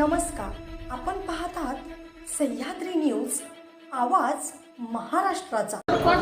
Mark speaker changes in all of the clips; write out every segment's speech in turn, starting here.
Speaker 1: नमस्कार, आपण पाहत आहात सह्याद्री न्यूज, आवाज महाराष्ट्राचा।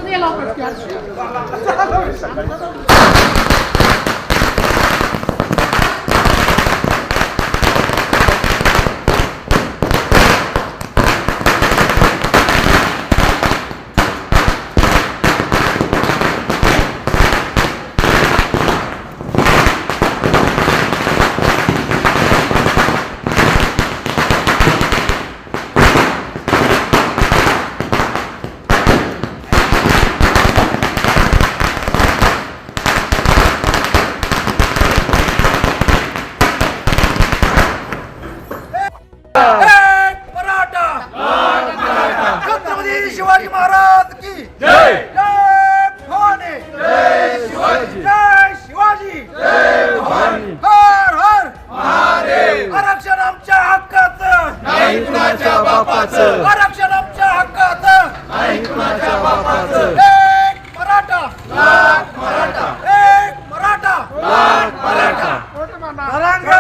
Speaker 2: छत्रपती शिवाजी महाराज की जय। जय भवानी, जय शिवाजी, जय शिवाजी, जय भवानी। हर हर महादेव। आरक्षण आमच्या हक्काचं, नाही कुणाच्या बापाचं। आरक्षण आमच्या हक्काचं, नाही कुणाच्या बापाचं। एक मराठा, लाख मराठा। एक मराठा, लाख मराठा। तरंगे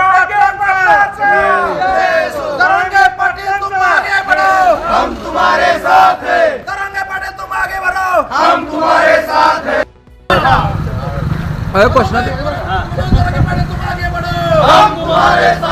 Speaker 2: पाटील तुम आगे बढ़ो, हम तुम्हारे साथ हैं। तरंगे पाटील तुम आगे बढ़ो, हम तुम्हारे साथ हैं।
Speaker 3: क्वेश्चन
Speaker 2: तरंगे पाटील तुम आगे बढ़ो, हम तुम्हारे साथ